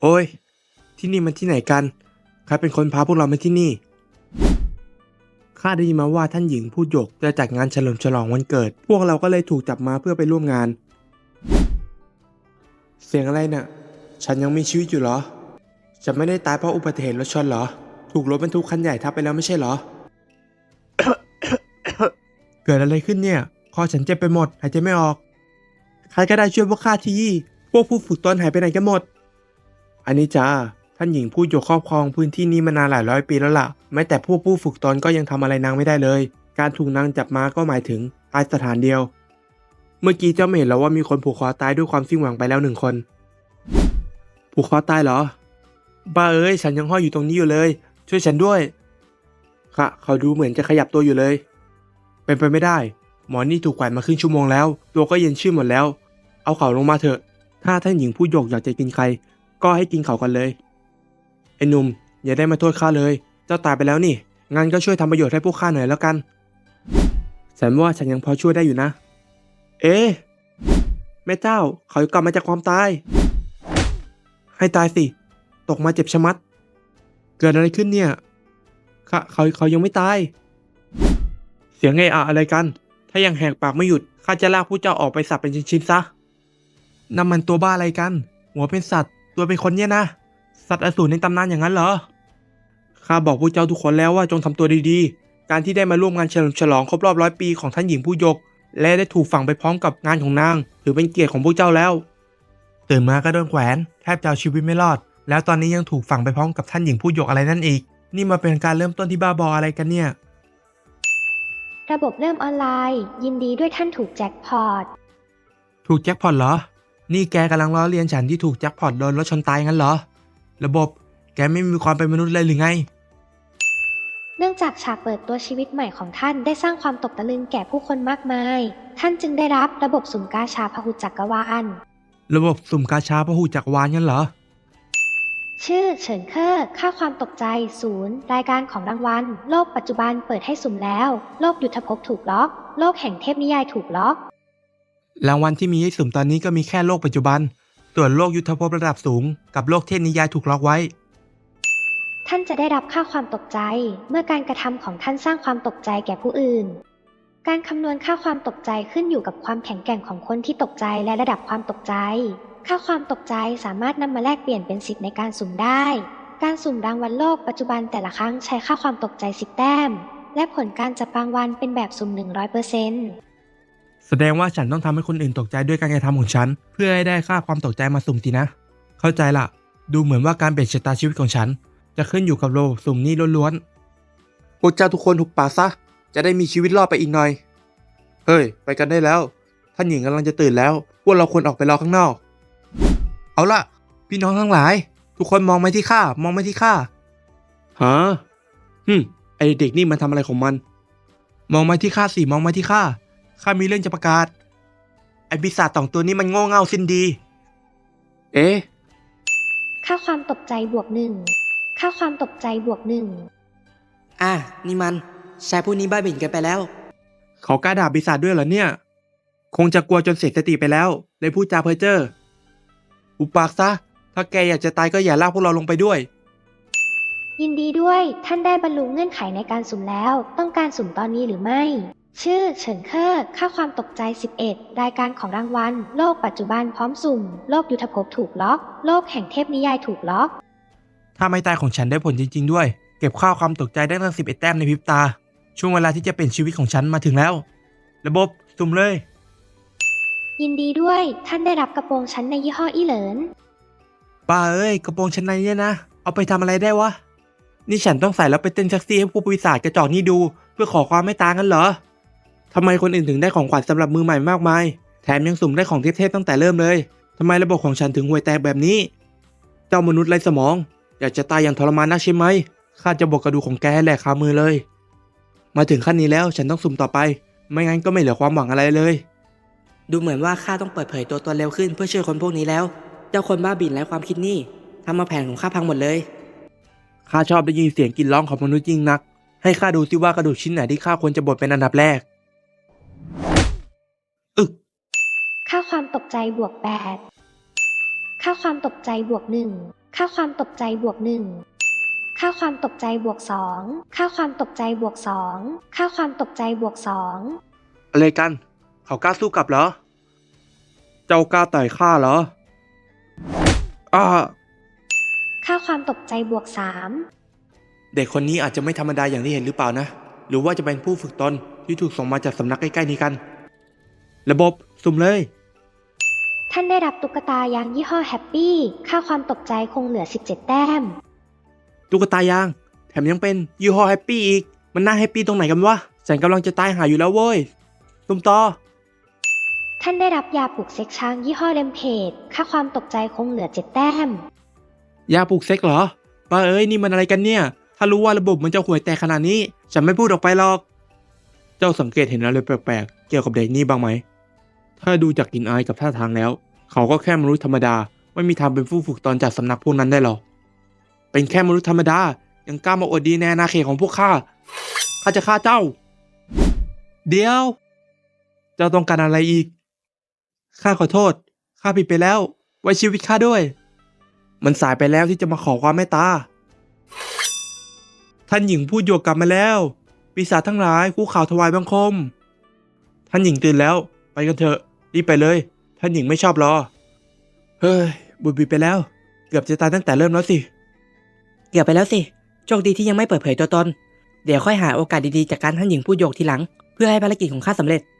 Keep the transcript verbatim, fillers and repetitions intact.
โอ้ยที่นี่มันที่ไหนกันใครเป็นคนพาพวกเรามาที่นี่ข้าได้ยินมาว่าท่านหญิงผู้หยกจะจัดงานเฉลิมฉลองวันเกิดพวกเราก็เลยถูกจับมาเพื่อไปร่วมงานเสียงอะไรน่ะฉันยังมีชีวิตอยู่เหรอฉันไม่ได้ตายเพราะอุบัติเหตุรถชนเหรอถูกรถบรรทุกคันใหญ่ทับไปแล้วไม่ใช่เหรอ เกิดอะไรขึ้นเนี่ยคอฉันเจ็บไปหมดหายใจไม่ออกใครก็ได้ช่วยพวกข้าทีพวกผู้ฝึกตนหายไปไหนกันหมดอันนี้จ้าท่านหญิงผู้หยกครอบครองพื้นที่นี้มานานหลายร้อยปีแล้วล่ะแม้แต่พวกผู้ฝึกตนก็ยังทำอะไรนางไม่ได้เลยการถูกนางจับมาก็หมายถึงตายสถานเดียวเมื่อกี้เจ้าไม่เห็นแล้วว่ามีคนผูกคอตายด้วยความสิ้นหวังไปแล้วหนึ่งคนผูกคอตายเหรอบ้าเอ้ยฉันยังห้อยอยู่ตรงนี้อยู่เลยช่วยฉันด้วยค่ะเขาดูเหมือนจะขยับตัวอยู่เลยเป็นไปไม่ได้หมอนี่ถูกแขวนมาครึ่งชั่วโมงแล้วตัวก็เย็นชื่นหมดแล้วเอาเขาลงมาเถอะถ้าท่านหญิงผู้หยกอยากจะกินใครก็ให้กินเขากันเลยไอ้หนุ่มอย่าได้มาโทษข้าเลยเจ้าตายไปแล้วนี่งั้นก็ช่วยทำประโยชน์ให้พวกข้าหน่อยแล้วกันฉันว่าฉันยังพอช่วยได้อยู่นะเอ๊ะแม่เจ้าเขากลับมาจากความตายให้ตายสิตกมาเจ็บชะมัดเกิดอะไรขึ้นเนี่ยเขาเขาเขายังไม่ตายเสียงไอ้อะอะไรกันถ้ายังแหกปากไม่หยุดข้าจะลากผู้เจ้าออกไปสับเป็นชิ้นๆซะนั่นมันตัวบ้าอะไรกันหัวเป็นสัตว์ตัวเป็นคนเนี่ยนะสัตว์อสูรในตำนานอย่างนั้นเหรอข้าบอกพวกเจ้าทุกคนแล้วว่าจงทำตัวดีๆการที่ได้มาร่วมงานเฉลิมฉลองครบรอบร้อยปีของท่านหญิงผู้หยกและได้ถูกฝังไปพร้อมกับงานของนางถือเป็นเกียรติของพวกเจ้าแล้วตื่นมาก็โดนแขวนแทบจะเอาชีวิตไม่รอดแล้วตอนนี้ยังถูกฝังไปพร้อมกับท่านหญิงผู้หยกอะไรนั่นอีกนี่มาเป็นการเริ่มต้นที่บ้าบออะไรกันเนี่ยระบบเริ่มออนไลน์ยินดีด้วยท่านถูกแจ็คพอตถูกแจ็คพอตเหรอนี่แกกำลังล้อเลียนฉันที่ถูกแจ็คพอตโดนรถชนตายงั้นเหรอระบบแกไม่มีความเป็นมนุษย์เลยหรือไงเนื่องจากฉากเปิดตัวชีวิตใหม่ของท่านได้สร้างความตกตะลึงแก่ผู้คนมากมายท่านจึงได้รับระบบสุ่มกาชาพหุจักรวาลระบบสุ่มกาชาพหุจักรวาลงั้นเหรอชื่อเฉินเคอร์ค่าความตกใจศูนย์รายการของรางวัลโลกปัจจุบันเปิดให้สุ่มแล้วโลกยุทธภพถูกล็อกโลกแห่งเทพนิยายถูกล็อกรางวัลที่มีให้สุ่มตอนนี้ก็มีแค่โลกปัจจุบันส่วนโลกยุทธภพระดับสูงกับโลกเทพนิยายถูกล็อกไว้ท่านจะได้รับค่าความตกใจเมื่อการกระทำของท่านสร้างความตกใจแก่ผู้อื่นการคำนวณค่าความตกใจขึ้นอยู่กับความแข็งแกร่งของคนที่ตกใจและระดับความตกใจค่าความตกใจสามารถนำมาแลกเปลี่ยนเป็นสิทธิ์ในการสุ่มได้การสุ่มรางวัลโลกปัจจุบันแต่ละครั้งใช้ค่าความตกใจสิบแต้มและผลการจับรางวัลเป็นแบบสุ่ม หนึ่งร้อยเปอร์เซ็นต์แสดงว่าฉันต้องทำให้คนอื่นตกใจด้วยการกระทำของฉันเพื่อให้ได้ค่าความตกใจมาสุ่มสินะเข้าใจละดูเหมือนว่าการเปลี่ยนชะตาชีวิตของฉันจะขึ้นอยู่กับระบบสุ่มนี้ล้วนๆพวกเจ้าทุกคนถูกปากซะจะได้มีชีวิตรอดไปอีกหน่อยเฮ้ยไปกันได้แล้วท่านหญิงกำลังจะตื่นแล้วพวกเราควรออกไปรอข้างนอกเอาล่ะพี่น้องทั้งหลายทุกคนมองมาที่ข้ามองมาที่ข้าฮะฮึมไอเด็กนี่มันทำอะไรของมันมองมาที่ข้าสิมองมาที่ข้าข้ามีเรื่องจะประกาศไอปีศาจสองตัวนี้มันโง่เง่าสิ้นดีเอ๊ะค่าความตกใจบวกหนึ่งค่าความตกใจบวกหนึ่งอ่ะนี่มันชายผู้นี้บ้าบิ่นกันไปแล้วเขากล้าด่าปีศาจด้วยเหรอเนี่ยคงจะกลัวจนเสียสติไปแล้วเลยพูดจาเพ้อเจ้ออุปากซะถ้าแกอยากจะตายก็อย่าลากพวกเราลงไปด้วยยินดีด้วยท่านได้บรรลุเงื่อนไขในการสุ่มแล้วต้องการสุ่มตอนนี้หรือไม่ชื่อเฉินเคอร์ค่าความตกใจสิบเอ็ดรายการของรางวัลโลกปัจจุบันพร้อมสุ่มโลกยุทธภพถูกล็อกโลกแห่งเทพนิยายถูกล็อกถ้าไม่ตายของฉันได้ผลจริงๆด้วยเก็บค่าความตกใจได้ตั้งสิบเอ็ดแต้มในพริบตาช่วงเวลาที่จะเป็นชีวิตของฉันมาถึงแล้วระบบสุ่มเลยยินดีด้วยท่านได้รับกระโปรงชั้นในยี่ห้ออีเหลินป้าเอ้ยกระโปรงชั้นในเนี่ยนะเอาไปทำอะไรได้วะนี่ฉันต้องใส่แล้วไปเต้นแท็กซี่ให้พวกปีศาจกระจอกนี่ดูเพื่อขอความไม่ตางกันเหรอทำไมคนอื่นถึงได้ของขวัญสำหรับมือใหม่มากมายแถมยังสุ่มได้ของเทพๆตั้งแต่เริ่มเลยทำไมระบบของฉันถึงห่วยแตกแบบนี้เจ้ามนุษย์ไร้สมองอยากจะตายอย่างทรมานนักใช่ไหมข้าจะบอกกระดูกของแกให้แหลกคามือเลยมาถึงขั้นนี้แล้วฉันต้องสุ่มต่อไปไม่งั้นก็ไม่เหลือความหวังอะไรเลยดูเหมือนว่าข้าต้องเปิดเผยตัวตนเร็วขึ้นเพื่อช่วยคนพวกนี้แล้วเจ้าคนบ้าบิ่นไร้ความคิดนี่ทำมาแผนของข้าพังหมดเลยข้าชอบได้ยินเสียงกรีดร้องของมนุษย์ยิ่งนักให้ข้าดูซิว่ากระดูกชิ้นไหนที่ข้าควรจะบดเป็นอันดับแรกอึกค่าความตกใจบวกแปดค่าความตกใจบวกหนึ่งค่าความตกใจบวกหนึ่งค่าความตกใจบวกสองค่าความตกใจบวกสองค่าความตกใจบวกสองอะไรกัน เขากล้าสู้กลับเหรอ เจ้ากล้าต่อยข้าเหรออ้าค่าความตกใจบวกสามเด็กคนนี้อาจจะไม่ธรรมดาอย่างที่เห็นหรือเปล่านะ หรือว่าจะเป็นผู้ฝึกตนที่ถูกส่งมาจากสำนักใกล้ๆนี้กัน ระบบสุ่มเลยท่านได้รับตุ๊กตายางยี่ห้อแฮปปี้ค่าความตกใจคงเหลือสิบเจ็ดแต้มตุ๊กตายาง แถมยังเป็นยี่ห้อแฮปปี้อีก มันน่าแฮปปี้ตรงไหนกันวะ ฉันกำลังจะตายหาอยู่แล้วเว้ยสุ่มต่อท่านได้รับยาปลุกเซ็กช้างยี่ห้อเลมเพดค่าความตกใจคงเหลือเจ็ดแต้มยาปลุกเซ็กเหรอป้าเอ้ยนี่มันอะไรกันเนี่ย ถ้ารู้ว่าระบบมันจะห่วยแตกขนาดนี้ ฉันไม่พูดออกไปหรอก เจ้าสังเกตเห็นอะไรแปลกๆ เกี่ยวกับเด็กนี่บ้างไหม ถ้าดูจากกลิ่นอายกับท่าทางแล้ว เขาก็แค่มนุษย์ธรรมดา ไม่มีทางเป็นผู้ฝึกตนจากสำนักพวกนั้นได้หรอก เป็นแค่มนุษย์ธรรมดา ยังกล้ามาอวดดีในอาณาเขตของพวกข้า ข้าจะฆ่าเจ้า เดี๋ยว เจ้าต้องการอะไรอีก ข้าขอโทษ ข้าผิดไปแล้ว ไว้ชีวิตข้าด้วย มันสายไปแล้วที่จะมาขอความเมตตา ท่านหญิงพูดโยกกลับมาแล้ว ปีศาจทั้งหลายคู่ข่าวถวายบังคม ท่านหญิงตื่นแล้ว ไปกันเถอะ รีบไปเลย ท่านหญิงไม่ชอบรอ เฮ้ย บุญบิดไปแล้ว เกือบจะตายตั้งแต่เริ่มแล้วสิเกือบไปแล้วสิ โชคดีที่ยังไม่เปิดเผยตัวตน เดี๋ยวค่อยหาโอกาสดีๆจากการท่านหญิงพูดโยกทีหลัง เพื่อให้ภารกิจของข้าสำเร็จ